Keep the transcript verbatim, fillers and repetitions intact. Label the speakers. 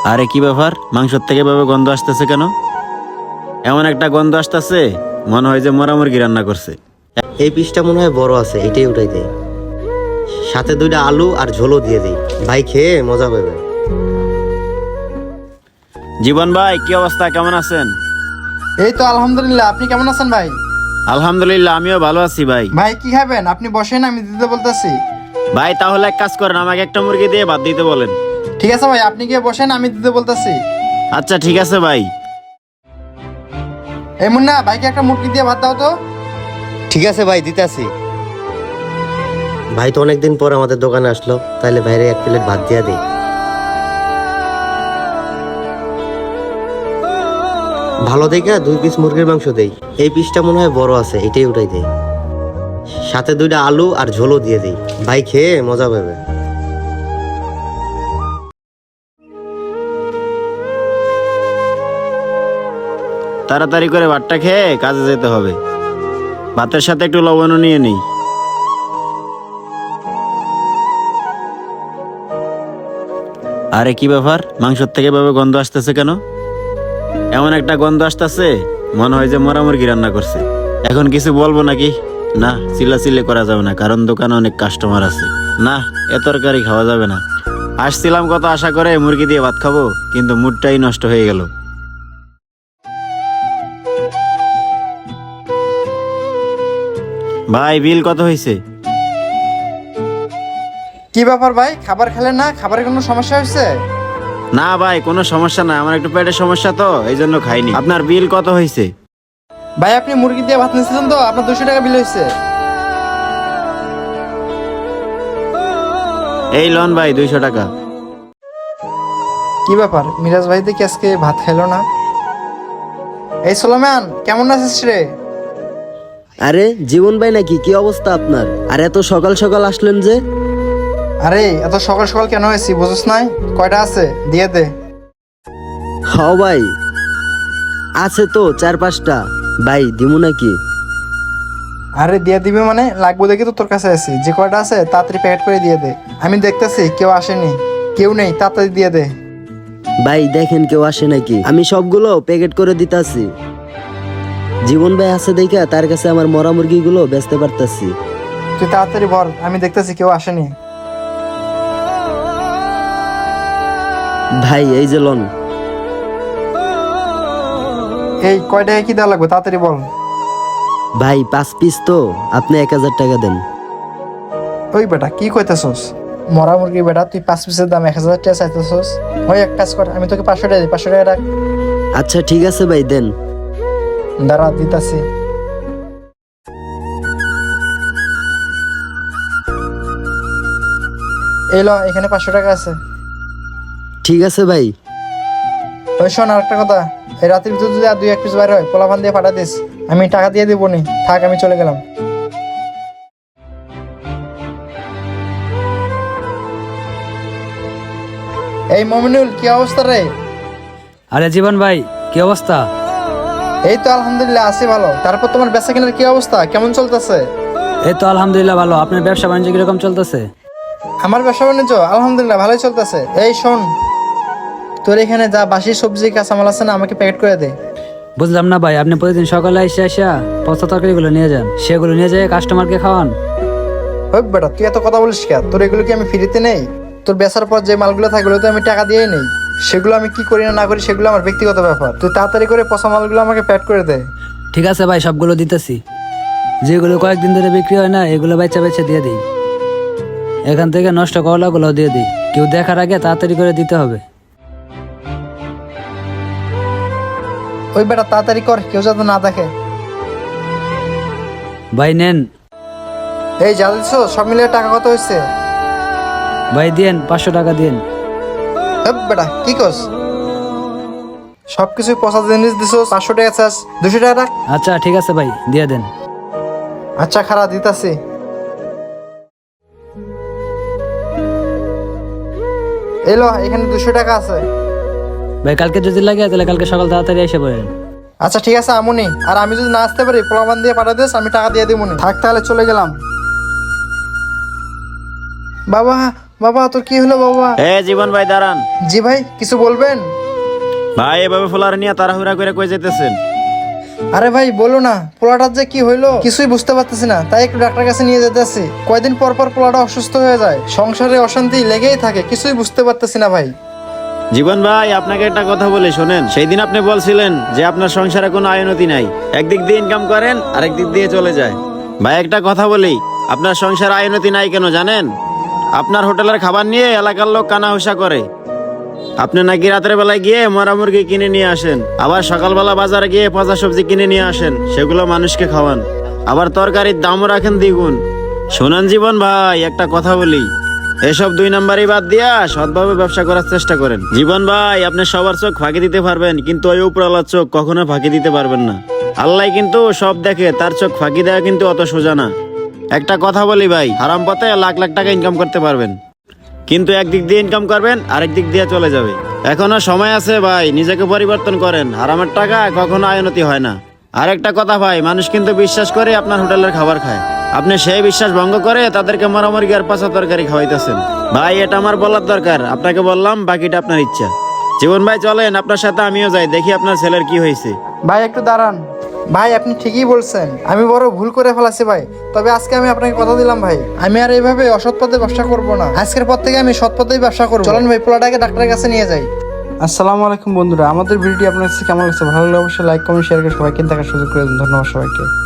Speaker 1: আরে কি ব্যাপার, মাংসের থেকে ভাবে গন্ধ আসতেছে কেন? এমন একটা গন্ধ আসতেছে মনে হয় যে মরা মুরগি রান্না করছে।
Speaker 2: এই পিসটা মনে হয় বড় আছে, এটাই উঠাই দেয়। সাথে দুইটা আলু আর ঝোলও দিয়ে দিই, ভাই খেয়ে মজা পাবে।
Speaker 1: জীবন ভাই, কি অবস্থা, কেমন আছেন?
Speaker 3: এই তো আলহামদুলিল্লাহ। আপনি কেমন আছেন ভাই?
Speaker 1: আলহামদুলিল্লাহ, আমিও ভালো আছি ভাই।
Speaker 3: ভাই কি খাবেন? আপনি বসেন, আমি দিতে বলতেছি।
Speaker 1: ভাই তাহলে এক কাজ করেন, আমাকে একটা মুরগি দিয়ে ভাত দিতে বলেন।
Speaker 3: ঠিক আছে ভাই, আপনি গিয়ে বসেন, আমি দিতে বলতেছি।
Speaker 1: আচ্ছা ঠিক আছে ভাই।
Speaker 3: এই মুন্না, ভাইকে একটা মুরগি দিয়ে ভাত দাও তো।
Speaker 2: ঠিক আছে ভাই, দিতেছি। ভাই তো অনেকদিন পর আমাদের দোকানে আসলো, তাইলে বাইরে এক প্লেট ভাত দিয়া দিই। ভালো দেখে দুই পিস মুরগির মাংস দেই। এই পিসটা মনে হয় বড় আছে, এটাই উঠাই দেই। সাথে দুইটা আলু আর ঝোলও দিয়ে দিই, ভাই খেয়ে মজা পাবে।
Speaker 1: তাড়াতাড়ি করে ভাতটা খেয়ে কাজে যেতে হবে। ভাতের সাথে একটু লবণও নিয়ে নিই। আরে কি ব্যাপার, মাংসের থেকে ভাবে গন্ধ আসতেছে কেন? এমন একটা গন্ধ আসতেছে মনে হয় যে মরা মুরগি রান্না করছে। এখন কিছু বলবো নাকি? না, চিল্লাচিল্লি করা যাবে না, কারণ দোকানে অনেক কাস্টমার আছে। না, এ তরকারি খাওয়া যাবে না। আসছিলাম কত আশা করে মুরগি দিয়ে ভাত খাবো, কিন্তু মুডটাই নষ্ট হয়ে গেল। ভাই বিল কত হয়েছে?
Speaker 3: কি ব্যাপার ভাই, খাবার খেলেন না? খাবারের কোনো সমস্যা হয়েছে?
Speaker 1: না ভাই, কোনো সমস্যা না, আমার একটু পেটের সমস্যা তো এই জন্য খাইনি। আপনার বিল কত হয়েছে?
Speaker 3: ভাই আপনি মুরগি দিয়ে ভাত নিয়েছিলেন তো, আপনার দুশো টাকা বিল হয়েছে।
Speaker 1: এই লন ভাই, দুইশো টাকা।
Speaker 3: কি ব্যাপার, মিরাজ ভাই দেখি আজকে ভাত খাইলো না। এই সোলোম্যান, কেমন আছিস রে?
Speaker 4: আরে জীবন ভাই নাকি? কি অবস্থা আপনার? আর এত সকাল সকাল আসলেন যে?
Speaker 3: আরে এত সকাল সকাল কেন হয়েছি বুঝছ নাই? কয়টা আছে দিয়ে দে।
Speaker 4: হ ভাই, আছে তো চার পাঁচটা। ভাই দিমু নাকি?
Speaker 3: আরে দিয়ে দিবি মানে, লাগবো দেখি তো তোর কাছে আছি। যে কয়টা আছে তাড়াতাড়ি প্যাকেট করে দিয়ে দে। আমি দেখতেছি কেউ আসেনি, কেউ নেই, তাড়াতাড়ি দিয়ে দে।
Speaker 4: ভাই দেখেন কেউ আসে নাকি? আমি সবগুলো প্যাকেট করে দিতাছি। জীবন ভাই আছে দেখা তার কাছে আমার মরা মুরগিগুলো বেচতে পারতাছি।
Speaker 3: তুই তাড়াতাড়ি বল, আমি দেখতেছি কেউ আসেনি।
Speaker 4: ভাই এই যে লন।
Speaker 3: এই কয়টায় কি দেওয়া লাগবে তাড়াতাড়ি বল।
Speaker 4: ভাই পাঁচ পিস তো, আপনি এক হাজার টাকা দেন।
Speaker 3: ওই বেটা কি কইতেছস? মরা মুরগি বেটা, তুই পাঁচ পিসের দাম এক হাজার টাকা চাইতেছস? ওই এক কাজ কর, আমি তোকে পাঁচশো টাকা দিই, পাঁচশো টাকা রাখ।
Speaker 4: আচ্ছা ঠিক আছে ভাই, দেন।
Speaker 3: দাঁড়া দিতাছি। এই ল, এখানে পাঁচশো টাকা আছে।
Speaker 4: ঠিক আছে ভাই।
Speaker 3: ওই শোন, আর একটা কথা, এই রাতের ভিতর যদি আর দুই এক পিস বাইরে হয়, পোলাপান দিয়ে পাঠা দিস। আমি টাকা দিয়ে দিব নি, থাক আমি চলে গেলাম। এই মমিনুল, কি অবস্থা রে?
Speaker 5: আরে জীবন ভাই, কি অবস্থা?
Speaker 3: এই তো আলহামদুলিল্লাহ আছি ভালো। তারপর তোমার বেচা কেনার কি অবস্থা, কেমন চলতেছে?
Speaker 5: এই তো আলহামদুলিল্লাহ ভালো। আপনার ব্যবসা বাণিজ্য কিরকম চলতেছে?
Speaker 3: আমার ব্যবসা বাণিজ্য আলহামদুলিল্লাহ ভালোই চলতেছে। এই শোন, তোর এখানে যা বাসি সবজি কাঁচামাল আছে না, আমাকে প্যাকেট করে দে।
Speaker 5: বুঝলাম না ভাই, আপনি প্রতিদিন সকালে এসে আসা পচা তরকারিগুলো নিয়ে যান, সেগুলো নিয়ে যায় কাস্টমারকে খাওয়ান।
Speaker 3: হোক বেটা, তুই এত কথা বলিস কে? তোর এগুলো কি আমি ফ্রিতে নেই? তোর বেচার পর যে মালগুলো থাকে ওগুলো তো আমি টাকা দিয়েই নেই। সেগুলো আমি কি করি না না করি সেগুলো আমার ব্যক্তিগত ব্যাপার। তুই তাড়াতাড়ি করে পচা মালগুলো আমাকে প্যাক করে দে।
Speaker 5: ঠিক আছে ভাই, সবগুলো দিতেছি। যেগুলো কয়েকদিন ধরে বিক্রি হয় না, এগুলো বেচা বেচা দিয়ে দিই। এখান থেকে নষ্ট করলাগুলো দিয়ে দিই। কেউ দেখার আগে তাড়াতাড়ি করে দিতে হবে।
Speaker 3: ওই বেটা তাড়াতাড়ি কর, কেউ যাতে না দেখে।
Speaker 5: ভাই নেন।
Speaker 3: এই যা দিচ্ছ সব মিলিয়ে টাকা কত হয়েছে?
Speaker 5: ভাই দিয়েন, পাঁচশো টাকা দিন।
Speaker 3: হেপ বেটা কি কস? সবকিছু পচা জিনিস দিছ, পাঁচশো টাকা চাস, দুশো টাকা রাখ।
Speaker 5: আচ্ছা ঠিক আছে ভাই, দিয়ে দেন।
Speaker 3: আচ্ছা খারাপ দিতাছি। এলো, এখানে দুশো টাকা আছে।
Speaker 5: ভাই কালকে যদি লাগে তাহলে কালকে সকাল তাড়াতাড়ি এসে পড়েন।
Speaker 3: আচ্ছা ঠিক আছে আমুনি, আর আমি যদি না আসতে পারি প্রমাণ দিয়ে পাঠা দিস, আমি টাকা দিয়ে দিব। থাক তাহলে চলে গেলাম। বাবা বাবা তোর কি হলো বাবা?
Speaker 1: এ জীবন ভাই দাঁড়ান।
Speaker 3: জি ভাই, কিছু বলবেন?
Speaker 1: ভাই এভাবে ফোলার নিয়ে তাড়াহুড়া করে কই যেতেছেন?
Speaker 3: আরে ভাই বলো না, পোলাটার যে কি হইলো কিছুই বুঝতে পারতেছি না, তাই একটু ডাক্তার কাছে নিয়ে যেতেছি। কয়দিন পর পর পোলাটা অসুস্থ হয়ে যায়, সংসারে অশান্তি লেগেই থাকে, কিছুই বুঝতে পারতেছি না ভাই।
Speaker 1: জীবন ভাই আপনাকে একটা কথা বলি শোনেন। সেই দিন আপনি বলছিলেন যে আপনার সংসারে কোনো আয়নতি নাই, একদিক দিয়ে ইনকাম করেন আরেক দিক দিয়ে চলে যায়। ভাই একটা কথা বলি, আপনার সংসারে আয়নতি নাই কেন জানেন? আপনার হোটেলের খাবার নিয়ে এলাকার লোক কানাহুসা করে। আপনি নাকি রাতের বেলায় গিয়ে মরা মুরগি কিনে নিয়ে আসেন, আবার সকালবেলা বাজারে গিয়ে পচা সবজি কিনে নিয়ে আসেন, সেগুলো মানুষকে খাওয়ান, আবার তরকারির দামও রাখেন দ্বিগুণ। শোনান জীবন ভাই একটা কথা বলি, এসব দুই নাম্বারই বাদ দিয়া সৎভাবে ব্যবসা করার চেষ্টা করেন। জীবন ভাই আপনি সবার চোখ ফাঁকি দিতে পারবেন, কিন্তু ওই উপরওয়ালার চোখ কখনো ফাঁকি দিতে পারবেন না। আল্লাহ কিন্তু সব দেখে, তার চোখ ফাঁকি দেওয়া কিন্তু অত সোজা না। একটা কথা বলি ভাই, হারাম পথে লাখ লাখ টাকা ইনকাম করতে পারবেন, কিন্তু একদিক দিয়ে ইনকাম করবেন আরেক দিক দিয়ে চলে যাবে। এখনো সময় আছে ভাই, নিজেকে পরিবর্তন করেন। হারামের টাকা কখনো আয়নতি হয় না। আর একটা কথা ভাই, মানুষ কিন্তু বিশ্বাস করে আপনার হোটেলের খাবার খায়, আপনি সেই বিশ্বাস ভঙ্গ করে তাদেরকে মরামরি আর পচা তরকারি খাওয়াইতেছেন। ভাই এটা আমার বলার দরকার, আপনাকে বললাম, বাকিটা আপনার ইচ্ছা। জীবন ভাই চলেন, আপনার সাথে আমিও যাই, দেখি আপনার ছেলের কি হয়েছে।
Speaker 3: ভাই একটু দাঁড়ান। ভাই আপনি ঠিকই বলছেন, আমি বড় ভুল করে ফেলাছি ভাই। তবে আজকে আমি আপনাকে কথা দিলাম ভাই, আমি আর এইভাবে অসৎ পথে ব্যবসা করব না। আজকের পর থেকে আমি সৎ পথেই ব্যবসা করব। চলেন ভাই, পোলাটাকে ডাক্তারের কাছে নিয়ে যাই। আসসালামু আলাইকুম বন্ধুরা, আমাদের ভিডিওটি আপনার কাছে কেমন লাগছে? ভালো লাগলে অবশ্যই লাইক কমেন্ট শেয়ার করে সবাইকে দেখার সুযোগ করে দিন। ধন্যবাদ সবাইকে।